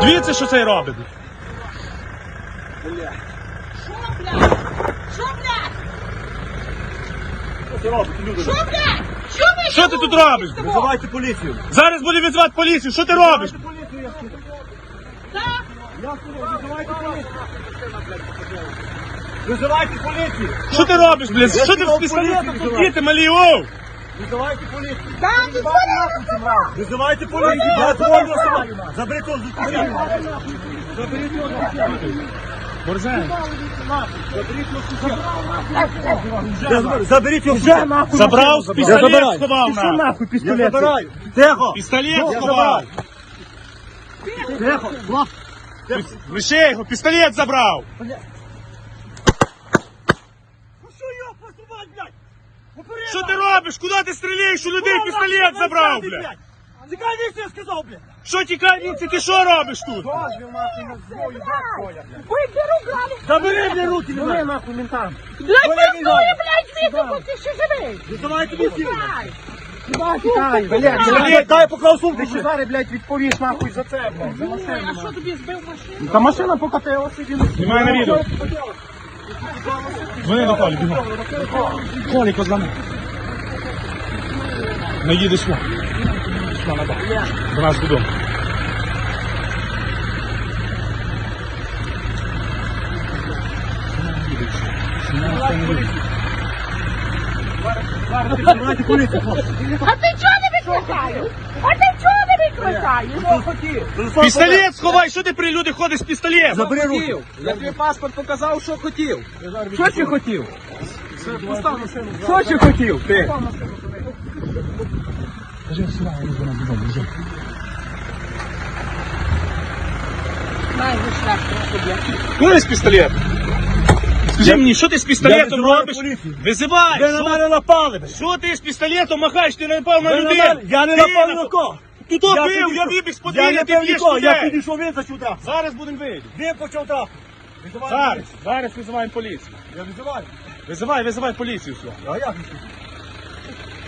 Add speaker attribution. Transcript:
Speaker 1: Дивіться, що цей робить.
Speaker 2: Що, блядь? Що, блядь? Що, блядь? Що ви?
Speaker 1: Що ти тут робиш?
Speaker 3: Визивайте поліцію.
Speaker 1: Зараз буде визивати поліцію. Що ти робиш?
Speaker 2: Так?
Speaker 3: Визивайте поліцію. Визивайте поліцію.
Speaker 1: Що ти робиш, блядь? Що ти з пістолетом тут діти малі, оу?
Speaker 3: Визивайте поліцію.
Speaker 2: Так, ти
Speaker 3: Визивайте поліцію. Я твою особу. Заберіть його з дитини. Заберіть його з дитини.
Speaker 1: Борзен.
Speaker 3: Заберіть його вже нахуй.
Speaker 1: Забрав, пістолет сховав
Speaker 3: Що
Speaker 1: на.
Speaker 3: нахуй пістолет? Я забираю. Тихо.
Speaker 1: Пістолет сховав.
Speaker 3: Тихо.
Speaker 1: Лише його, пістолет забрав.
Speaker 3: Ну що його посувати, блядь? Попереду.
Speaker 1: Що ти робиш? Куди ти стріляєш? У людей пістолет забрав, блядь.
Speaker 3: Тікай віці, я сказав, блядь.
Speaker 1: Що тікай, Вінці, ти що робиш тут?
Speaker 2: Ой, беру, блядь.
Speaker 3: Забери, блядь, руки, блядь. Нахуй ментам.
Speaker 2: Блядь, працює, блядь, звідти, ти ще живий.
Speaker 3: Визивайте поліцію.
Speaker 2: Давай.
Speaker 3: Блядь, дай поклав сумку.
Speaker 4: Ти зараз, блядь, відповіш нахуй за це, блядь. За машину.
Speaker 2: А що тобі збив машину?
Speaker 4: Та машина покатилася, він...
Speaker 1: Знімай на відео. Дзвони до Колі, бігом. Колі, позвони. Не їдеш сюди. До нас додому.
Speaker 3: Визивайте поліцію, хлопці.
Speaker 2: А ти чого не викликаєш? А ти чого не викликаєш?
Speaker 1: Пістолет сховай, що ти при люди ходиш з пістолетом?
Speaker 3: Забери руки.
Speaker 4: Я тобі паспорт показав, що хотів. Що ти хотів? Що ти хотів, ти?
Speaker 2: Най, шлях,
Speaker 1: Куди з пістолет? Скажи мені, що ти з пістолетом
Speaker 3: визиваю
Speaker 1: робиш?
Speaker 3: поліцію.
Speaker 1: Визивай!
Speaker 3: Ви на мене напали, блядь.
Speaker 1: Що ти з пістолетом махаєш? Ти не напав на
Speaker 3: Ви на
Speaker 1: людей!
Speaker 3: мене- Я не напав ні на кого.
Speaker 1: Ти то
Speaker 3: Я
Speaker 1: бив, я
Speaker 3: підійшов.
Speaker 1: вибіг з
Speaker 3: Я
Speaker 1: подвір'я,
Speaker 3: не
Speaker 1: ти
Speaker 3: бив
Speaker 1: б'єш
Speaker 3: нікого, я
Speaker 1: людей!
Speaker 3: підійшов, він зачув трапу.
Speaker 1: Зараз будемо вийти.
Speaker 3: Він почав трапу. Визивайте
Speaker 1: Зараз,
Speaker 3: поліцію.
Speaker 1: зараз визиваємо поліцію.
Speaker 3: Я визиваю.
Speaker 1: Визивай поліцію сюди.
Speaker 3: А як?